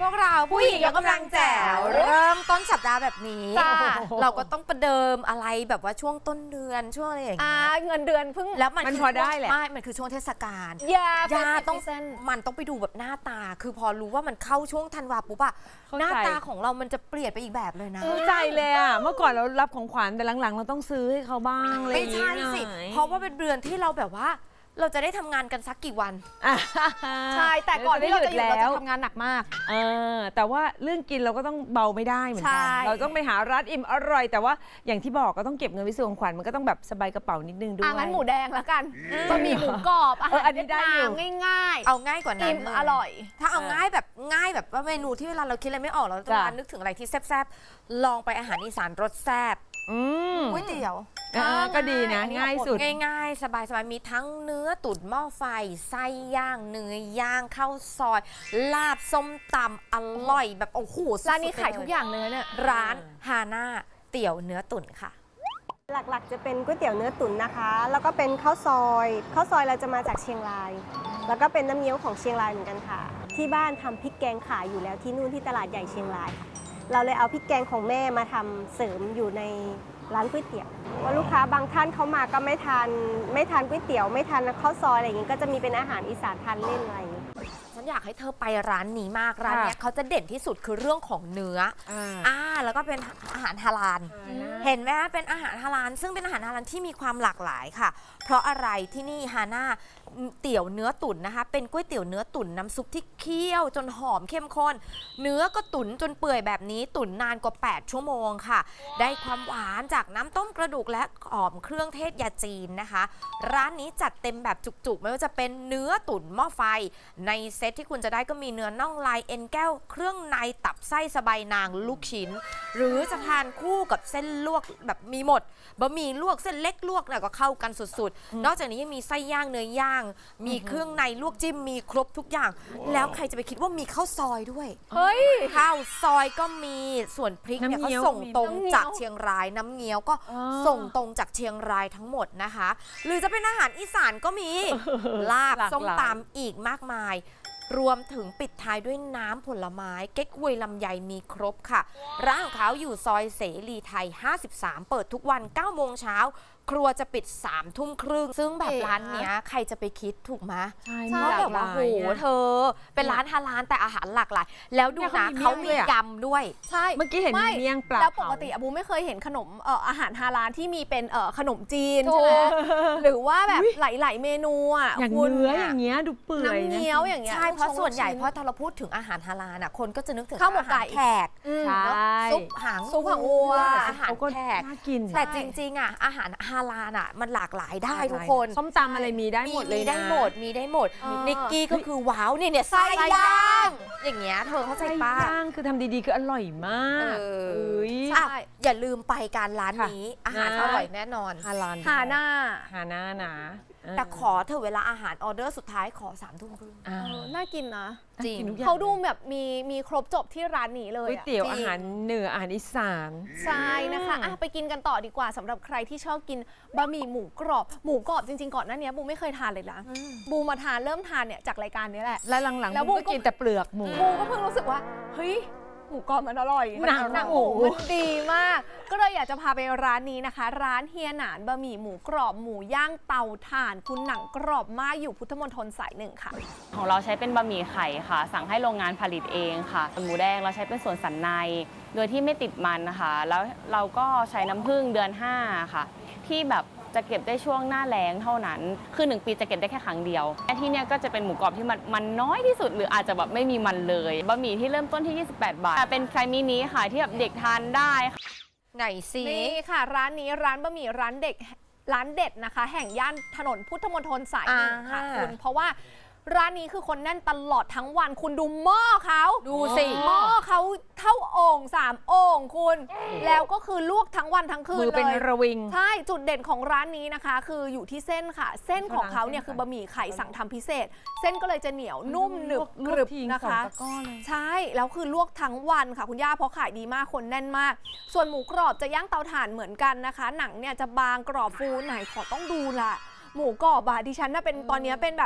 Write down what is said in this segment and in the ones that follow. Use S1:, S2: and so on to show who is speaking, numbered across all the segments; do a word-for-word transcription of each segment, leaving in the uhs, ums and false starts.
S1: พวกเราผู้หญิงยกกำลังแจ๋วเริ่มต้นสัปดาห์แบบนี้เราก็ต้องประเดิมอะไรแบบว่าช่วงต้นเดือนช่วงอะไรอย่างเงี้ย
S2: เงินเดือนเพิ่ง
S1: แล้วมัน
S3: พอได้แหละ
S1: ไม่มันคือช่วงเทศกาล
S2: ยา
S1: ยาต้องมันต้องไปดูแบบหน้าตาคือพอรู้ว่ามันเข้าช่วงธันวาปุ๊บอะหน้าตาของเรามันจะเปลี่ยนไปอีกแบบเลยนะ
S3: เข้าใจเลยอะเมื่อก่อนเรารับของขวัญแต่หลังๆเราต้องซื้อให้เขาบ้างเลย
S1: ไม่ใช่สิเพราะว่าเป็นเดือนที่เราแบบว่าเราจะได้ทำงานกันสักกี่วัน
S2: ใช่แต่ก่อนที่เราจะหยุดเราจะทำงานหนักมาก
S3: เออแต่ว่าเรื่องกินเราก็ต้องเบาไม่ได้เหมือนกันเราต้องไปหาร้านอิ่มอร่อยแต่ว่าอย่างที่บอกก็ต้องเก็บเงินไว้ซื้อของขวัญมันก็ต้องแบบสบายกระเป๋านิดนึงด้วย
S2: อ่ะงั้นหมูแดงแล้วกันบะหมี่หมูกรอบอาหารเวียดนามง่ายๆ
S1: เอาง่ายกว่านั้น
S2: อิ่มอร่อย
S1: ถ้าเอาง่ายแบบง่ายแบบว่าเมนูที่เวลาเราคิดอะไรไม่ออกเราจะมานึกถึงอะไรที่แซ่บๆลองไปอาหารอีสานรสแซ่บก๋วยเตี๋ยว
S3: ก็ดีนะง่ายสุด
S1: ง่ายๆสบายๆมีทั้งเนื้อตุ๋นหม้อไฟไส้ย่างเนื้อย่างข้าวซอยลาบส้มตำอร่อยแบบโอ้โห
S2: ร้านนี้ขายทุกอย่างเลยเนี่ย
S1: ร้านฮาน่าเตี๋ยวเนื้อตุ๋นค่ะ
S4: หลักๆจะเป็นก๋วยเตี๋ยวเนื้อตุ๋นนะคะแล้วก็เป็นข้าวซอยข้าวซอยเราจะมาจากเชียงรายแล้วก็เป็นน้ำเงี้ยวของเชียงรายเหมือนกันค่ะที่บ้านทำพริกแกงขายอยู่แล้วที่นู่นที่ตลาดใหญ่เชียงรายค่ะเราเลยเอาพริกแกงของแม่มาทำเสริมอยู่ในร้านก๋วยเตี๋ยวว่าลูกค้าบางท่านเขามาก็ไม่ทานไม่ทานก๋วยเตี๋ยวไม่ทานข้าวซอยอะไรอย่างงี้ก็จะมีเป็นอาหารอีสานทานเล่นอะไรอย่างงี้
S1: ฉันอยากให้เธอไปร้านนี้มากร้านนี้เขาจะเด่นที่สุดคือเรื่องของเนื้ออ่าแล้วก็เป็นอาหารฮาลาลเห็นไหมเป็นอาหารฮาลาลซึ่งเป็นอาหารฮาลาลที่มีความหลากหลายค่ะเพราะอะไรที่นี่ฮาน่าเตี๋ยวเนื้อตุ๋นนะคะเป็นก๋วยเตี๋ยวเนื้อตุ๋นน้ำซุปที่เคี่ยวจนหอมเข้มข้นเนื้อก็ตุ๋นจนเปื่อยแบบนี้ตุ๋นนานกว่าแปดชั่วโมงค่ะได้ความหวานจากน้ำต้มกระดูกและหอมเครื่องเทศยาจีนนะคะร้านนี้จัดเต็มแบบจุกๆไม่ว่าจะเป็นเนื้อตุ๋นหม้อไฟในเซตที่คุณจะได้ก็มีเนื้อน่องลายเอ็นแก้วเครื่องในตับไส้สะใบนางลูกชิ้นหรือจะทานคู่กับเส้นลวกแบบมีหมดบะหมี่ลวกเส้นเล็กลวกเนี่ยก็เข้ากันสุดๆนอกจากนี้ยังมีไส้ย่างเนื้อย่างมีเครื่องในลวกจิ้มมีครบทุกอย่างแล้วใครจะไปคิดว่ามีข้าวซอยด้วย
S2: เฮ้ย
S1: ข้าวซอยก็มีส่วนพริกเนี่ยเขาส่งตรงจากเชียงรายน้ำเงี้ยวก็ส่งตรงจากเชียงรายทั้งหมดนะคะหรือจะเป็นอาหารอีสานก็มีลาบส้มตำอีกมากมายรวมถึงปิดท้ายด้วยน้ำผลไม้เก๊กฮวยลำไยมีครบค่ะร้านของเขาอยู่ซอยเสรีไทยห้าสิบสามเปิดทุกวันเก้าโมงเช้าครัวจะปิดสามทุ่มครึ่งซึ่งแบบร้านเนี้ยใครจะไปคิดถูกไหม
S3: ใช่
S1: เพราะแบบว่าโหเธอเป็นร้านฮาลาลแต่อาหารหลากหลายแล้วดูนะเขามียำด้วย
S2: ใช่
S3: เมื่อกี้เห็นมีเมี่ยงปลา
S2: แล้วปกติอบูไม่เคยเห็นขนมเอ่ออาหารฮาลาลที่มีเป็นเอ่อขนมจีนใช่ไหมหรือว่าแบบหลายๆเมนูอ่ะ
S3: อย่างเนื้ออย่างเงี้ยดูเปื่อย
S2: น้ำเงี้ยวอย่างเงี้ย
S1: ใช่เพราะส่วนใหญ่เพราะถ้าเราพูดถึงอาหารฮาลาลน่ะคนก็จะนึกถึง
S2: ข้าวหมกไก่
S1: แขกซุปหาง
S2: ซุปหางวัว
S1: อาหารแขกแต่จริงๆอ่ะอาหารฮาลาลอ่ะมันหลากหลายได้ทุกคน
S3: ส้มตำอะไรมีได้หมดเลย
S1: มีได้หมดมีได้หมดนิกกี้ก็คือว้าวเนี่ยเนี่ยไส้ย่างอย่างเงี้ยเธอเข้าใจป้า
S3: ย่างคือทำดีๆคืออร่อยมาก
S1: ใช่อย่าลืมไปการร้านนี้อาหารอร่อยแน่นอน
S3: ฮาลาล
S2: ฮาน่า
S3: ฮาน่านะ
S1: แต่ขอเธอเวลาอาหารออเดอร์สุดท้ายขอสามทุ่มครึ่ง
S2: น่ากินนะ
S1: จริง
S2: เขาดูแบบมีมีครบจบที่ร้านนี้เลย
S3: ก๋วยเตี๋ยวอาหารเหนืออาหารอีสาน
S2: ใช่นะคะอ่ะไปกินกันต่อดีกว่าสำหรับใครที่ชอบกินบะหมี่หมูกรอบหมูกรอบจริงๆก่อนหน้านี้บูไม่เคยทานเลยนะบูมาทานเริ่มทานเนี่ยจากรายการนี้แหละ
S3: และหลังๆแล้วบูก็กินแต่เปลือกหมู
S2: บูก็เพิ่งรู้สึกว่าเฮ้ยหมูกรอบมันอร่อย
S3: หนัง
S2: หนังหมูมันดีมากก็เลยอยากจะพาไปร้านนี้นะคะร้านเฮียหนานบะหมี่หมูกรอบหมูย่างเตาถ่านคุณหนังกรอบมากอยู่พุทธมณฑลสายหนึ่งค่ะ
S5: ของเราใช้เป็นบะหมี่ไข่ค่ะสั่งให้โรงงานผลิตเองค่ะหมูแดงเราใช้เป็นส่วนสันในโดยที่ไม่ติดมันนะคะแล้วเราก็ใช้น้ำผึ้งเดือนห้าค่ะที่แบบจะเก็บได้ช่วงหน้าแล้งเท่านั้นคือหนึ่งปีจะเก็บได้แค่ครั้งเดียวและที่เนี่ยก็จะเป็นหมูกรอบที่มันมันน้อยที่สุดหรืออาจจะแบบไม่มีมันเลยบะหมี่ที่เริ่มต้นที่ยี่สิบแปดบาทแต่เป็นไซส์มินิค่ะที่แบบเด็กทานได้
S1: ไหนสิ
S2: นี่ค่ะร้านนี้ร้านบะหมี่ร้านเด็กร้านเด็ดนะคะแห่งย่านถนนพุทธมณฑลสายหนึ่งค่ะคุณเพราะว่าร้านนี้คือคนแน่นตลอดทั้งวันคุณดูหม้อเขา
S1: ดูสิ
S2: หม้อเขาเท่าโอ่งสามโอ่งคุณแล้วก็คือลวกทั้งวันทั้งคืนเลยมือ
S3: เป็นระวิง
S2: ใช่จุดเด่นของร้านนี้นะคะคืออยู่ที่เส้นค่ะเส้นของเขาเนี่ยคือบะหมี่ไข่สั่งทำพิเศษเส้นก็เลยจะเหนียวนุ่มหนึบกรึบนะคะใช่แล้วคือลวกทั้งวันค่ะคุณย่าเพราะขายดีมากคนแน่นมากส่วนหมูกรอบจะย่างเตาถ่านเหมือนกันนะคะหนังเนี่ยจะบางกรอบฟูไหนขอต้องดูละหมูกรอบอะดิฉันน่ะเป็นตอนนี้เป็นแบบก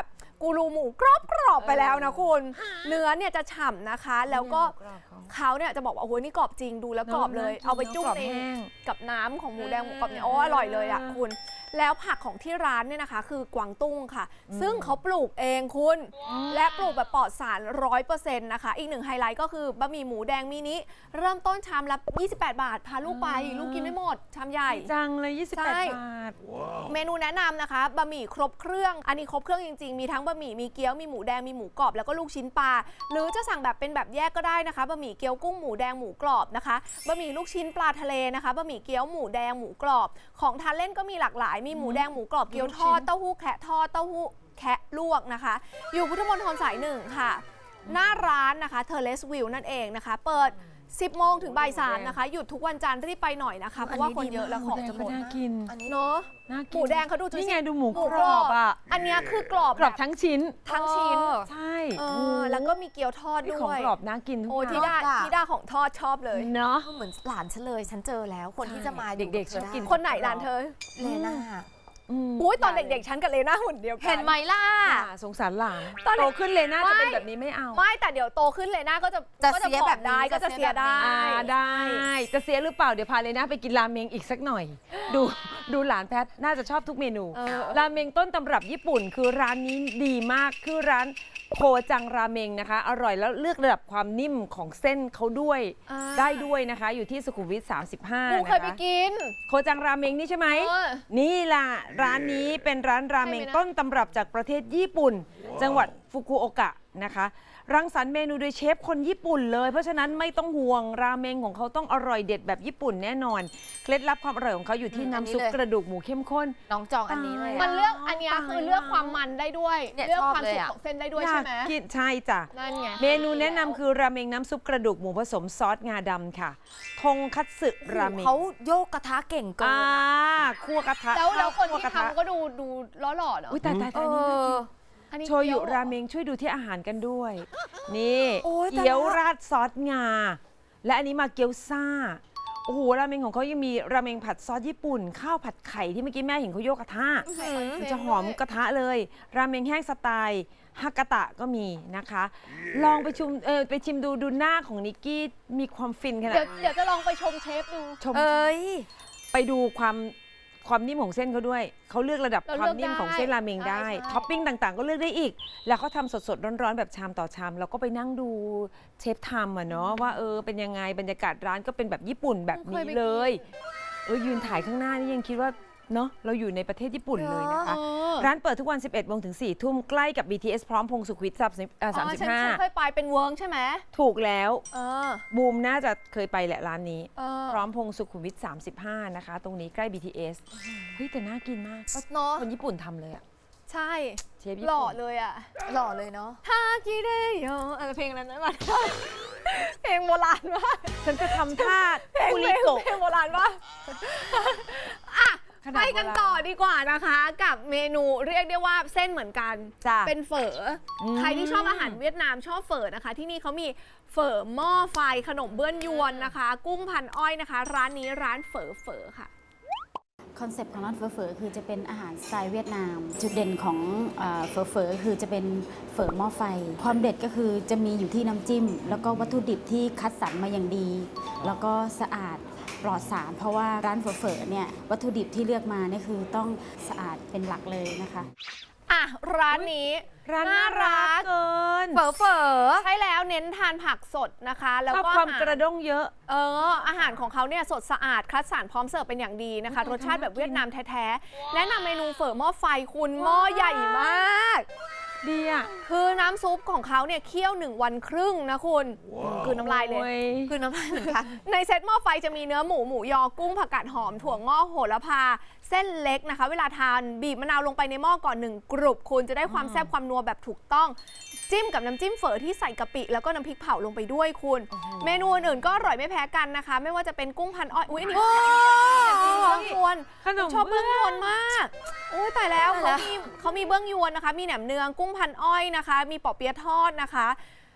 S2: กูรูหมูกรอบกรอบๆไปแล้วนะคุณ เนื้อเนี่ยจะฉ่ำนะคะ แล้วก็เขาเนี่ยจะบอกว่าโอ้โหนี่กรอบจริงดูแล้วกรอบเลย เอาไปจุ่มในกับน้ำของหมูแดงหมูกรอบเนี่ยโอ้อร่อยเลยอ่ะคุณ แล้วผักของที่ร้านเนี่ยนะคะ คือกวางตุ้งค่ะ ซึ่งเขาปลูกเองคุณ และปลูกแบบปลอดสารร้อยเปอร์เซ็นต์นะคะ อีกหนึ่งไฮไลท์ก็คือบะหมี่หมูแดงมินิเริ่มต้นชามละยี่สิบแปดบาทพาลูกไปลูกกินไม่หมดชามใหญ่
S3: จังเลยยี่สิบแปด
S2: ใช่
S3: บาท
S2: เมนูแนะนำนะคะบะหมี่ครบเครื่องอันนี้ครบเครื่องจริงๆมีทั้งบะหมี่มีเกี๊ยวมีหมูแดงมีหมูกรอบแล้วก็ลูกชิ้นปลาหรือจะสั่งแบบเป็นแบบแยกก็ได้นะคะบะหมี่เกี๊ยวกุ้งหมูแดงหมูกรอบนะคะบะหมี่ลูกชิ้นปลาทะเลนะคะบะหมี่เกี๊ยวหมูแดงหมูกรอบของทานเล่นก็มีหลากหลายมีหมูแดงหมูกรอบเกี๊ยวทอดเต้าหู้แคะทอดเต้าหู้แคะลวกนะคะอยู่พุทธมณฑลสายหนึ่งค่ะหน้าร้านนะคะเทเลสวิวนั่นเองนะคะเปิดสิบโมงถึงบ่ายสามนะคะหยุดทุกวันจันทร์รีบไปหน่อยนะคะเพราะว่าคนเยอะแล้วของจะหมด
S3: น่ากิน
S2: เนาะ
S3: น่า
S2: ห
S3: กิน
S2: มูแดงเขาดู
S3: นี่ไงดูหมูกรอบอ่ะ
S2: อันเนี้ยคือกรอบ
S3: กรอบทั้งชิ้น
S2: ทั้งชิ้น
S3: ใช่
S2: เออแล้วก็มีเกี๊ยวทอด
S3: นี่
S2: ด้
S3: ของ
S2: วย
S3: กรอบน่ากินทุก
S2: โอ้
S3: อ
S2: ที่
S3: ย่าง
S2: ด้าที่ด้าของทอดชอบเลย
S3: เนาะ
S1: เหมือนหลานฉันเลยฉันเจอแล้วคนที่จะมา
S3: เด็กๆชอบกิน
S2: คนไหนร้านเธอ
S1: เลน่า
S2: อุ้ยตอนเด็กๆ ฉันกับเลน่าหุ่นเดียวกัน
S1: เห็นไหมล่ะ
S3: อย่าสงสารหลาน
S2: ตอนเด็ก
S3: โตขึ้นเลยน่าจะเป็น
S2: ไม่
S3: แบบนี้ไม่เอา
S2: ไม่แต่เดี๋ยวโตขึ้นเลน่าก็จะ
S1: จะ
S2: ก็
S1: เสีย
S2: ผอม
S1: แบบนี้
S2: ได้ก็จะ
S1: จะเสี
S2: เสีย
S1: ยแบบนี้
S2: ได้
S3: อ่าได้ จะเสียหรือเปล่าเดี๋ยวพาเลยนะไปกินราเมงอีกสักหน่อย ดูดูหลานแพทน่าจะชอบทุกเมนู
S2: เออ
S3: ราเมงต้นตำรับญี่ปุ่นคือร้านนี้ดีมากคือร้านโคจังราเมงนะคะ อร่อยแล้วเลือกระดับความนิ่มของเส้นเขาด้วย
S2: อ่า
S3: ได้ด้วยนะคะ อยู่ที่สุขุมวิทสามสิบห้า
S2: กู
S3: นะ
S2: เคยไป
S3: คะ
S2: กิน
S3: โคจังราเมงนี่ใช่ไหม
S2: เออ
S3: นี่ล่ะ ร้านนี้เป็นร้านราเมง
S2: ใช่ไหมนะ
S3: ต้นตำรับจากประเทศญี่ปุ่น จังหวัดฟุกุโอกะนะคะ รังสรรค์เมนูโดยเชฟคนญี่ปุ่นเลย เพราะฉะนั้นไม่ต้องห่วงราเมงของเขาต้องอร่อยเด็ดแบบญี่ปุ่นแน่นอน เคล็ดลับความอร่อยของเขาอยู่ที่
S1: อืมอันนี้
S3: น้ำซุป
S1: เลย
S3: กระดูกหมูเข้มข้น
S1: น้องจองอันนี้เลย
S2: มัน
S1: อะ
S2: เลือกอันเนี้ยคือเลือกความมันได้ด้วย
S1: เนี่ย
S2: เลือก
S1: ชอบ
S2: ความ
S1: เลย
S2: สุก
S1: อะ
S2: ของเส้นได้ด้วย
S3: อยา
S2: ใช่
S3: ก
S2: ไหม
S3: กินใช่จ้ะ
S2: นั่นไง
S3: เมนูแนะนำคือราเมงน้ำซุปกระดูกหมูผสมซอสงาดำค่ะ ทงคัตสึราเมง
S1: เขาโยกกระทะเก่งเกิน
S3: อ่า
S1: อะ
S3: คั่วกระทะ
S2: แล้วแล้วคน
S3: คั่ว
S2: ที่
S3: กระทะ
S2: ทำก็ดูดูล้อหล่อเนาะ
S3: อุ้ยตายตาย
S1: เอ
S3: ตายนี่น่ากิน
S1: อ
S2: อันนี้
S3: โชยุ
S2: เกี๊ยว
S3: ราเมงช่วยดูที่อาหารกันด้วย นี่
S1: โอ้ยแต่
S3: เกี๊ยว
S1: ละ
S3: ราดซอสงา และอันนี้มาเกี๊ยวซ่า โอ้โหราเมงของเขายังมีราเมงผัดซอสญี่ปุ่น ข้าวผัดไข่ที่เมื่อกี้แม่เห็นเขาโยกกระทะมันจะหอมกระทะเลย ราเมงแห้งสไตล์ฮากาตะก็มีนะคะ ลองไปชิมเออไปชิมดูดูหน้าของนิกกี้มีความฟินขนาด
S2: เดี๋ยวเดี๋ยวจะลองไปชมเชฟดู
S3: ชม
S1: เอ้ย
S3: ไปดูความความนิ่มของเส้นเขาด้วย เขาเลือกระดับ
S2: เรา
S3: ค
S2: เลื
S3: วา
S2: อก
S3: มนิ่มของเส้นราเมง
S2: ได้
S3: ได้
S2: ใช่
S3: ท็อปปิ้งต่างๆ ก็เลือกได้อีก แล้วเขาทำสดๆ ร้อนๆ แบบชามต่อชาม เราก็ไปนั่งดูเชฟทำอะเนาะว่าเออเป็นยังไงบรรยากาศร้านก็เป็นแบบญี่ปุ่นแบบนี้เลย เออยืนถ่ายข้างหน้านี่ยังคิดว่าเนาะเราอยู่ในประเทศญี่ปุ่นเลยนะคะ
S2: เออ
S3: ร้านเปิดทุกวัน สิบเอ็ดโมงถึงสี่ทุ่มใกล้กับ บี ที เอส พร้อมพงษ์สุขวิทสามสิบ
S2: อ๋อ
S3: สามสิบ
S2: ฉัน
S3: ห้า
S2: ฉันเคยไปเป็นเวิร์กใช่ไหม
S3: ถูกแล้ว
S2: เออ
S3: บูมน่าจะเคยไปแหละร้านนี้
S2: เออ
S3: พร้อมพงษ์สุขุมวิทสามสิบห้านะคะ ตรงนี้ใกล้ บี ที เอส เฮ้ยแต่น่ากินมาก
S2: เนาะ
S3: คนญี่ปุ่นทำเลยอะ
S2: ใช่
S3: เชฟญี่
S2: หล่อ
S3: ปุ่น
S2: เลยอ่ะ
S1: หล่อเลยเนาะ
S2: ฮากิเดโยเออเพลงนั้นนั้นมา เพลงโบราณมาก
S3: ฉันจะทำท่า
S2: เพลง
S3: คุ
S2: เพ
S3: ริ
S2: ลง
S3: โกะ
S2: เพลงโบราณว่าอ่ะ
S3: ขนาด
S2: ไปกัน
S3: โบราณ
S2: ต่อดีกว่านะคะ กับเมนูเรียกได้ว่าเส้นเหมือนกัน
S3: จ้ะ
S2: เป็นเฝออ
S3: ม
S2: ใครที่ชอบอาหารเวียดนามชอบเฝอนะคะ ที่นี่เขามีเฝอหม้อไฟขนมเบื้องยวนนะคะ กุ้งพันอ้อยนะคะ ร้านนี้ร้านเฝอเฝอค่ะ
S6: คอนเซปต์ของร้านเฝอเฝอคือจะเป็นอาหารสไตล์เวียดนาม จุดเด่นของเอ่อเฝอเฝอคือจะเป็นเฝอหม้อไฟ ความเด็ดก็คือจะมีอยู่ที่น้ำจิ้ม แล้วก็วัตถุดิบที่คัดสรรมาอย่างดี แล้วก็สะอาดปลอดสาร เพราะว่าร้านเฝอเฝอเนี่ยวัตถุดิบที่เลือกมาเนี่ยคือต้องสะอาดเป็นหลักเลยนะคะ
S2: อ่ะ ร้านนี้
S3: ร้านน่ารักเกิน
S1: เฝอเฝอ
S2: ใช่แล้วเน้นทานผักสดนะคะ แล้ว
S3: ชอบ
S2: ก็
S3: ความ
S2: อาหาร
S3: กระด้งเยอะ
S2: เอออาหารของเขาเนี่ยสดสะอาดคัดสรรพร้อมเสิร์ฟเป็นอย่างดีนะคะ รสชาติแบบเวียดนามแท้ๆแนะนำเมนูเฝอหม้อไฟคุณหม้อใหญ่มาก
S3: ดีอ่ะ
S2: คือน้ำซุปของเขาเนี่ยเคี่ยวหนึ่งวันครึ่งนะคุณคือน้ำลายเลย
S3: โอ้
S1: คือน้ำลายเหมือนกัน
S2: ในเซตหม้อไฟจะมีเนื้อหมูหมูยอกุ้งผักกาดหอมถั่วงอกโหระพา เส้นเล็กนะคะ เวลาทานบีบมะนาวลงไปในหม้อก่อนหนึ่งกรุบคุณจะได้ความแซ่บความนัวแบบถูกต้อง จิ้มกับน้ำจิ้มเฝอที่ใส่กะปิแล้วก็น้ำพริกเผาลงไปด้วยคุณ เมนูอื่นๆก็อร่อยไม่แพ้กันนะคะ ไม่ว่าจะเป็นกุ้งพันอ้อยอุ้ยอันนี้เบื้องยวน
S3: ขนม
S2: ชอบเบื้องยวนมากโอ้ยตายแล้ว
S1: ตายแล้ว
S2: เขามีเขามีเบื้องยวนนะคะ มีแหนมเนืองกุ้งพันอ้อยนะคะ มีปอเปี๊ยะทอดนะคะ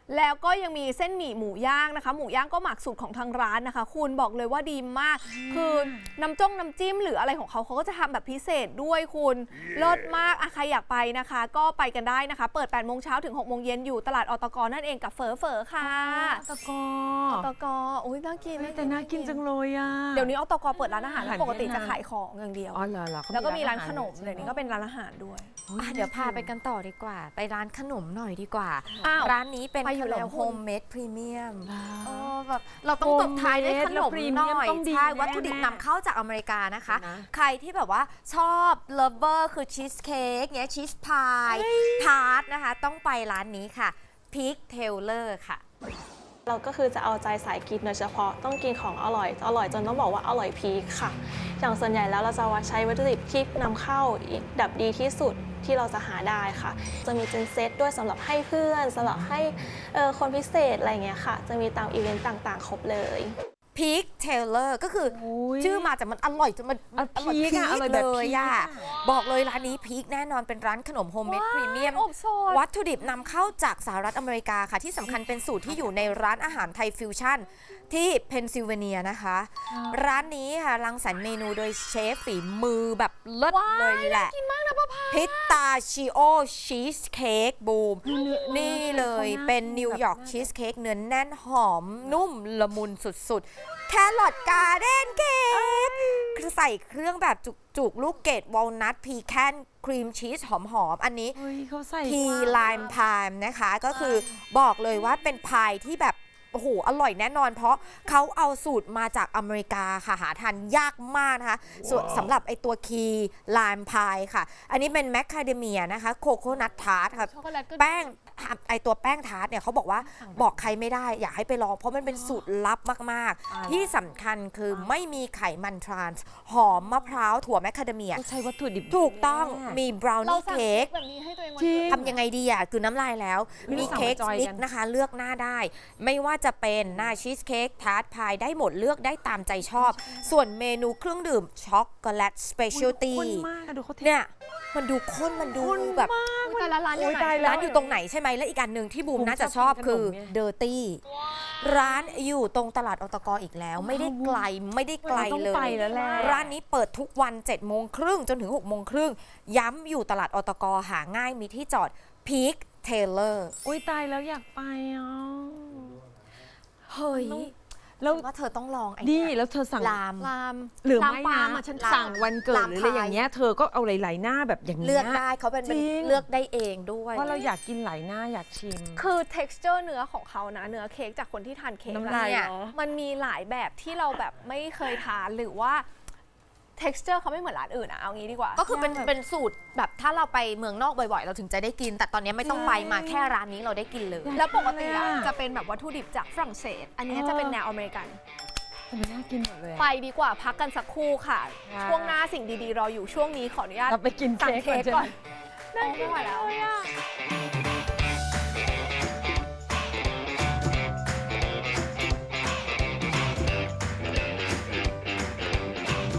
S2: แล้วก็ยังมีเส้นหมี่หมูย่างนะคะ หมูย่างก็หมักสูตรของทางร้านนะคะ คุณบอกเลยว่าดีมาก คือน้ำจ้งน้ำจิ้มหรืออะไรของเขาเขาก็จะทำแบบพิเศษด้วยคุณเลิศมากอะใครอยากไปนะคะ ก็ไปกันได้นะคะ เปิดแปดโมงเช้าถึงหกโมงเย็นอยู่ตลาดอตกนั่นเองกับเฝอเฝอค่ะ
S3: ตะกอ
S2: อตกอุ้ยน่ากิน
S3: เฮ้ยแต่น่ากินจังเลยอ่ะ
S2: เดี๋ยวนี้อตกเปิดร้านอาหาร
S3: อาหาร
S2: ปกติ
S3: เวียด
S2: จะ
S3: นาม
S2: ขายของอย่างเดียว
S3: อ๋อเหรอเหรอเข
S2: แล้วก็มีร้าน
S3: อห
S2: ขนม
S3: ใช่ไห
S2: เดี๋ยวนี้ก็เป็นร้านอาหารด้วย
S1: อ่ะเดี๋ยวพาไปกันต่อดีกว่า ไปร้านขนมหน่อยดีกว่า
S2: อ้าว
S1: ร้านนี้เป็น
S2: ไปอยู่
S1: ขน
S2: แล้
S1: ม
S2: ว
S1: โฮ
S2: คุณ
S1: มเมดพรีเมียม
S3: ว้าว
S1: โอ้แบบเราต้องตบท้ายด้วยขนม
S3: แล้วพรีเมี
S1: ห
S3: ยม
S1: น่อย
S3: ต้องดี
S1: ใช่
S3: แน่
S1: วัตถุดิบนำเข้าจากอเมริกานะคะ
S3: นะ
S1: ใครที่แบบว่าชอบเลิฟเวอร์คือชีสเค้กเนี้ยชีสพายทาร์ตนะคะ ต้องไปร้านนี้ค่ะพีคเทเลอร์ค่ะ
S7: เราก็คือจะเอาใจสายกินโดยเฉพาะต้องกินของอร่อย อร่อยจนต้องบอกว่าอร่อยพีคค่ะ อย่างส่วนใหญ่แล้วเราจะใช้วัตถุดิบที่นำเข้าดับดีที่สุดที่เราจะหาได้ค่ะ จะมีเป็นเซตด้วยสำหรับให้เพื่อนสำหรับให้เอ่อคนพิเศษอะไรเงี้ยค่ะ จะมีตามอีเวนต์ต่างๆ ครบเลย
S1: พีคเทเลอร์ก็คืออ
S3: ย
S1: ชื่อมาแต่มันอร่อยจนมัน
S3: อ่ะ
S1: อร่อย
S3: พีค
S1: พี
S3: อะ
S1: ค
S3: อร่อยแบบ
S1: เลย
S3: พีค
S1: อะ
S3: อะ
S1: บอกเลยร้านนี้พีคแน่นอนเป็นร้านขนมโฮมเมดพรีเมียม
S2: อบสด
S1: วัตถุดิบนำเข้าจากสหรัฐอเมริกาค่ะ ที่สำคัญเป็นสูตรที่อยู่ในร้านอาหารไทยฟิวชั่นที่เพนซิลเวเนียนะคะ ร้านนี้ค่ะรังสรรค์เมนูโดยเชฟฝีมือแบบเลิศเลยแหละพิตตาชิโอชีสเค้กบูม นี่เลยเป็นนิวยอร์กชีสเค้กเนื้อแน่นหอมนุ่มละมุนสุดๆ แครอทการ์เด้นเค้กคือใส่เครื่องแบบจุกๆ ลูกเกดวอลนัทพีแคนครีมชีสหอมๆ อันนี้
S3: เฮ้ยเขาใส่
S1: ทีไลม์พายนะคะ ก็คือบอกเลยว่าเป็นพายที่แบบ โอ้โห อร่อยแน่นอน เพราะเขาเอาสูตรมาจากอเมริกาค่ะ หาทานยากมากนะคะ ส่วนสำหรับไอตัวคีไลม์พายค่ะ อันนี้เป็นแมคคาเดเมียนะคะโคโคนัททาร์ตค่ะ
S2: ช็อกโกแลตก็
S1: แป้งไอตัวแป้งทาร์ตเนี่ยเขาบอกว่าบอกใครไม่ได้อยากให้ไปลอง เพราะมันเป็นสูตรลับมาก ๆ ที่สำคัญคือไม่มีไขมันทรานส์หอมมะพร้าวถั่วแมคคาเดเมีย
S3: เขาใช้วัตถุดิบ
S1: ถูกต้อง
S3: แน่
S1: มีบราว
S2: เรา
S1: นี่
S2: สั่ง
S1: เค้ก
S2: แบบนี้ให้ตัวเองวัน
S3: จริ
S2: เกิ
S3: ง
S2: ด
S1: ทำยังไงดีอ่ะคือน้ำลายแล้ว
S3: ไม่รู้
S1: มี
S3: สั่ง
S1: เค้ก
S3: มาจอย
S1: สติ๊
S3: กั
S1: ก
S3: น
S1: นะคะเลือกหน้าได้ ไม่ว่าจะเป็นหน้าชีสเค้กทาร์ตพายได้หมดเลือกได้ตามใจชอบ ส่วนเมนูเครื่องดื่มช็อกโกแลตสเปเชียลตี้
S3: ข้นมากอะดูเขาเท
S1: เนี่ยมันดูข้นมันดูแบบ
S2: แต่ละร้านอยู่ไหน
S3: โอ้ยตายแล้ว
S1: ร้านอยู่ตรงไหนใช่ไหมและอีกอันหนึ่งที่บูม
S3: บูม
S1: น่าจะ
S3: ช
S1: ช
S3: อ
S1: อ
S3: บบ กิน
S1: คือ
S3: ขนมไง
S1: เดอร์ตี้ร้านอยู่ตรงตลาดอตกอีกแล้ว ไม่ได้ไกลไม่ได้ไกล
S3: เราต้อง
S1: เล
S3: ไป
S1: ย
S3: แล้วแหละ
S1: ร้านนี้เปิดทุกวัน7จ็ดโมงครึ่งจนถึง6กโมงครึ่งย้ำอยู่ตลาดอตกหาง่ายมีที่จอดพีคเทเลอร์
S3: อุ้ยตายแล้วอยากไปอ่ะ
S1: เฮ้ย
S3: แล้ว
S1: ว่าเธอต้องลองไอ้
S3: นี่
S1: เนี่ย
S3: แล้วเธอสั่ง
S1: ลาม
S2: ลาม
S3: หรือ
S2: ลาม
S3: ไม่
S2: ปาล์ม
S3: นะ
S2: อ่ะฉัน
S3: สั่งวันเกิด
S1: ลาม
S3: หรืออะไร
S1: พาย
S3: อย่างเงี้ยเธอก็เอาหลายๆหน้าแบบอย่างเงี้ย
S1: เลือกได้เขาเป็น
S3: จริง
S1: เลือกได้เองด้วย
S3: เพราะเราอยากกินหลายหน้าอยากชิม
S2: คือ texture เนื้อของเขานะ เนื้อเค้กจากคนที่ทานเค้ก
S3: น้ำ
S2: อะ
S3: ลาย
S2: เนี่ย
S3: เหรอ
S2: มันมีหลายแบบที่เราแบบไม่เคยทานหรือว่า texture เขาไม่เหมือนร้านอื่นอะเอางี้ดีกว่า
S1: ก็คือเป็นเป็นสูตรแบบถ้าเราไปเมืองนอกบ่อยๆ เราถึงจะได้กิน แต่ตอนนี้ไม่ต้องไปมาแค่ร้านนี้เราได้กินเลย
S2: แล้วปกติอะจะเป็นแบบวัตถุดิบจากฝรั่งเศส อันนี้จะเป็นแนวอเมริกัน
S3: แต่มันน่ากินหมดเลยอะ
S2: ไปดีกว่าพักกันสักครู่ค่ะ
S3: ค่ะ
S2: ช่วงหน้าสิ่งดีๆรออยู่ช่วงนี้ขออนุญาต
S3: เราไปกิน
S2: สั่ง
S3: เค้ก
S2: เค้ก
S3: ก่
S2: ก่
S3: อ
S2: อน นน่ากินแล้ว